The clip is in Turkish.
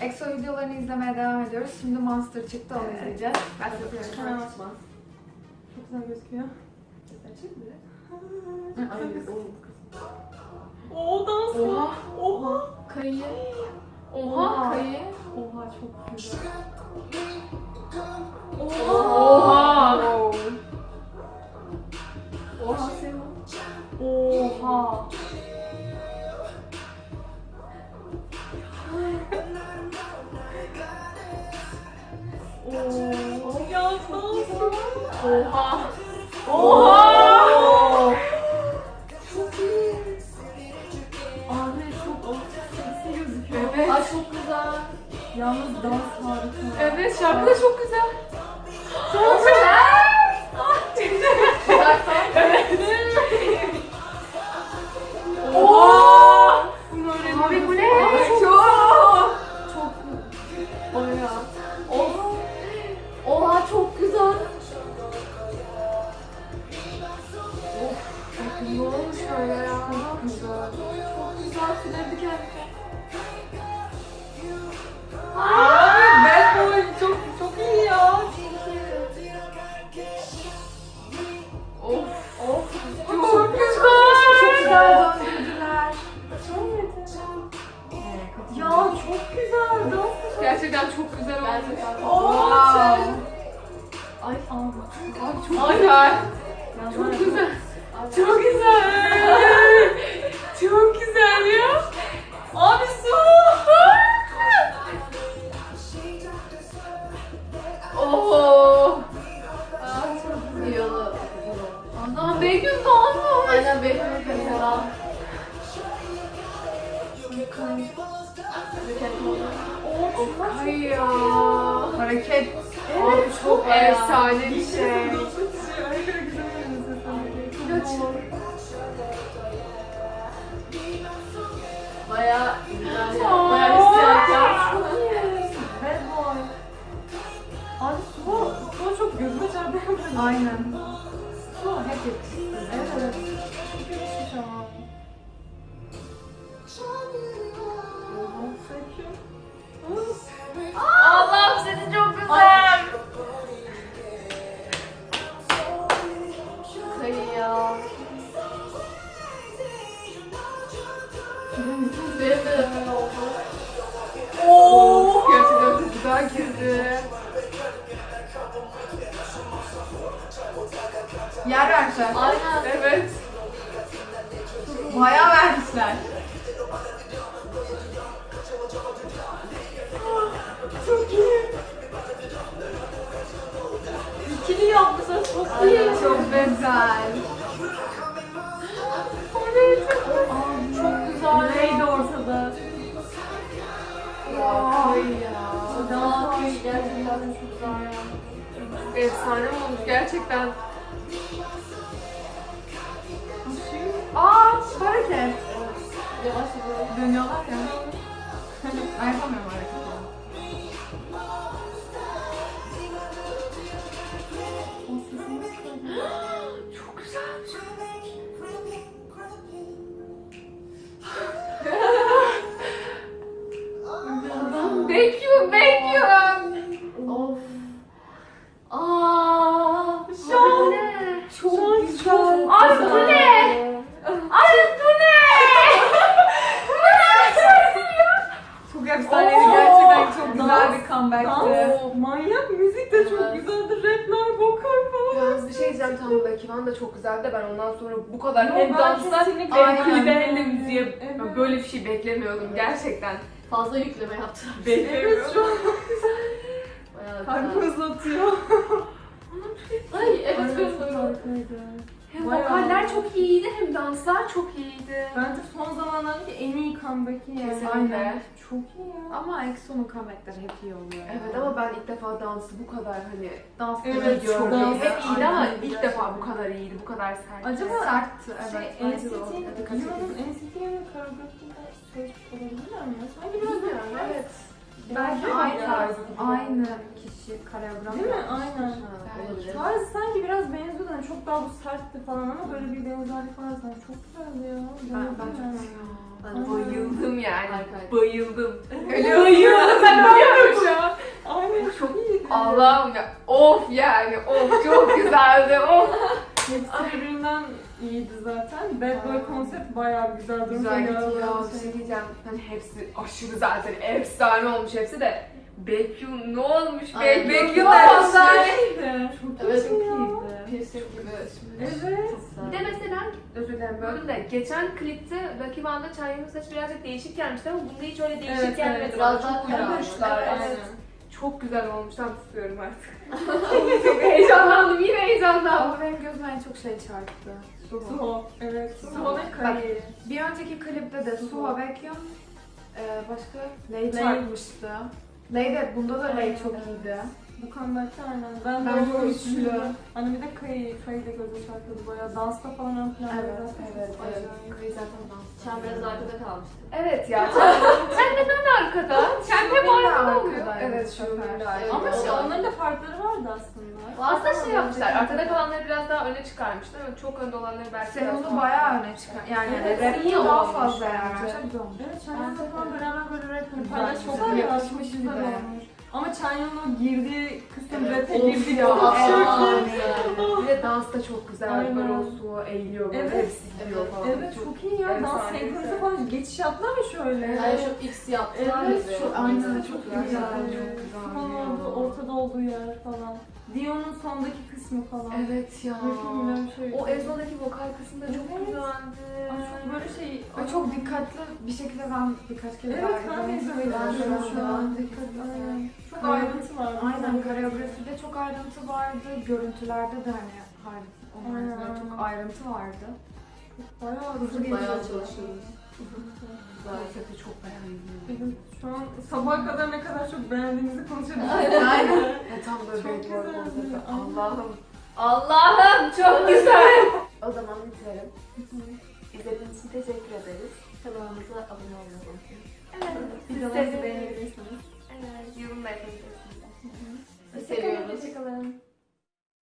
EXO videolarını izlemeye devam ediyoruz. Şimdi Monster çıktı, onu izleyeceğiz. Hemen açmaz. Çok güzel gözüküyor. Açayım mı? Oo dans. Oha. Oha. Kayı. Oha. Kayı. Oha çok güzel. Oha. Oha senin. Oha. Ya dans. Oha. Oha. Çok iyi. Abi çok seksi gözüküyor. Evet. Ay çok güzel. Yalnız dans harika. Evet, şarkı da çok güzel. Çok güzel. Oha. Abi bu ne? Çok. Çok bayağı. Oha. Oha çok güzel. Ne olmuş öyle ya? Çok güzel. Çok güzel. Tüyleri diken diken. Abi bad boy çok iyi ya. Of. Of. Çok güzel. Çok güzel döndürdüler. Ya çok güzel dans. Gerçekten çok güzel olmuş. Gerçekten. Wow. Ay. Abi çok güzel. Çok güzel. Çok güzel. Çok güzel ya. Abi su. Oo. Aa, çok iyi oldu. Ana Begüm doğmuş. Aynen bekliyorum mesela. Ay ya. Hareket. Abi çok bayağı. efsane bir şey. Bayağı güzel ya. Bayağı hissiyat ya. Çok iyi. Bad boy. Abi su çok gözüme çarptı. Aynen. Su hep yakıştı. Evet. Çok yakışmış ama. Allah'ım seni çok güzel. Kayı ya. Benim de öyle oldu. Oo. Gerçekten çok güzel girdi. Yer vermişler. Aynen. Evet. Bayağı vermişler. Çok iyi. İkili yapmışlar. Çok iyi. Ay, çok güzel. Çok güzel. Neydi ortada? Ay ya. Dans Kayı gerçekten çok güzel ya. Efsane olmuş gerçekten. Aa, hareket. Yavaş yavaş. Dönüyorlar ya. Ben yapamıyorum hareketi. Çok güzelmiş. Bekliyorum. Of. Aa, Şu an- bu ne? Çok güzel. Ay bu ne? Ay bu ne? Çok efsaneydi gerçekten, çok güzel bir comeback'tı. Dans, manyak müzik de çok Evet. güzeldi. Rapler, vokal falan. Yalnız bir şey diyeceğim, tamam belki ben de çok güzeldi de ben ondan sonra bu kadar Yo, hem ben dansa kesinlikle hem aynen. klibe hem de müziğe Evet. böyle bir şey beklemiyordum gerçekten. Fazla yükleme yaptılar. Evet şu an Bayağı kalbi güzel. hızlatıyor. Ay evet Aynen, kız. çok harikaydı. Hem Bayağı. vokaller çok iyiydi hem danslar çok iyiydi. Bence son zamanlardaki en iyi comeback'i yani. Kesinlikle. Aynen. Çok iyi ya. Ama EXO'nun comeback'leri hep iyi oluyor. Evet ama ben ilk defa dansı bu kadar hani dans Evet, gördüm. çok gördüm. dans- Hep iyiydi ama Aynen. ilk defa bu kadar iyiydi, bu kadar sert. Acaba sertti, evet. şey, bence de o. NCT, Dikkat Yunan'ın NCT'nin koreografisinde çalışmış olabilirler mi? Sanki biraz Bilmiyorum, evet. Belki Değil mi aynı ya? tarz, aynı kişi koreograf Değil mi? yapmış. Aynen. Olabilir. Tarzı sanki biraz benziyordu. Yani çok daha bu sertti falan ama böyle bir benzerlik var sanki. Çok güzeldi ya. Ben Beğendim çok yani. Ya. Aa. Bayıldım yani. Harika. Bayıldım. Ölüyorum. Ben ölüyorum şu an. Aynen çok iyiydi. Allah'ım ya. Of yani. Of çok güzeldi. Of. Hepsi birbirinden iyiydi zaten. Bad Boy Aynen. konsept bayağı güzel. Güzel gitti ya. Bir şey diyeceğim. Hani hepsi aşırı zaten efsane olmuş hepsi de. Baekhyun ne olmuş? Aynen. Baekhyun Baekhyun da efsane. efsane. Çok Evet, çok çok iyiydi. Piercing gibi. Evet. Bir de mesela, özür dilerim böldüm de, geçen klipte Lucky One'da Çanya'nın saçı birazcık değişik gelmişti ama bunda hiç öyle değişik Evet, gelmedi. evet. Bana Biraz çok daha kara uydurmuşlar. olmuş. Evet. Aynen. Çok güzel olmuş. Tam tutuyorum artık. Çok heyecanlandım. Yine heyecanlandım. Ama benim gözüme en çok şey çarptı. Suho. Suho. Evet. Suho ve Bak, Kari. bir önceki klipte de Suho Baekhyun, başka Lay Lay. çarpmıştı. Lay de, bunda da Lay Aynen, çok evet. iyiydi. Bu comeback'te aynen. Ben Bence de o üçlü. üçlü. Hani bir de Kari de gözü çarpıyordu bayağı. Dansta falan ön planda. Evet, zaten evet, çok evet. acayip. Kayı zaten dans. Sen biraz arkada kalmıştın. Evet ya. Sen neden arkada? Sen hep Şubin de arkada oluyor. arkadaydı Evet bu şu sefer. Evet. Ama şey, Onlar- onların da farkları vardı aslında. Aslında şey yapmışlar. Arkada kalanları biraz daha öne çıkarmışlar ama çok önde olanları belki biraz Sen daha- onu bayağı öne çıkar. Yani Evet, rap'te iyi daha olmuş fazla bence. yani. Çok güzel olmuş. Evet, Chanyeol'la falan beraber böyle rap Güzel, paylaş çok güzel. güzel Yakışmış güzel bir de. olmuş. Ama Chanyeol'un o girdiği kısım Evet, rap'e of girdiği ya, kısım evet. çok iyi. Bir de dans da çok güzel. Aynen. Böyle o su eğiliyor böyle. Evet, Hepsi gidiyor falan. Evet çok iyi ya. Dans efsane. senkronize falan geçiş yaptılar ya şöyle. Yani şu X yaptılar Evet, gibi. çok Aynen, çok güzel, güzel. çok güzel Son ya. olduğu, ortada olduğu yer falan. Dion'un sondaki kısmı falan. Evet ya. Mükemmel bir şey. O Ezo'daki vokal kısmı da çok Evet. güzeldi. Ay, çok böyle şey. Ve çok dikkatli bir şekilde ben birkaç kez Evet, daha ben de izlemeyi Ben düşünüyorum şu an. Dikkat- Aynen. Çok Aynen. ayrıntı var. Aynen, koreografide çok ayrıntı vardı, görüntülerde de hani Aynen. çok ayrıntı vardı. Bayağı hızlı Bayağı geçiyor. çalışılmış. Konsepti çok beğendim. Evet, şu an sabaha kadar ne kadar çok beğendiğimizi konuşabiliriz. Aynen. Ya tam böyle Çok bir güzeldi. konsepti. Aynen. Allah'ım. Allah'ım çok güzel. O zaman bitirelim. İzlediğiniz için teşekkür ederiz. Kanalımıza abone olmayı unutmayın. Evet. Videolarımızı beğenebilirsiniz. Evet. Yorum da yapabilirsiniz. Seviyoruz. Hoşçakalın.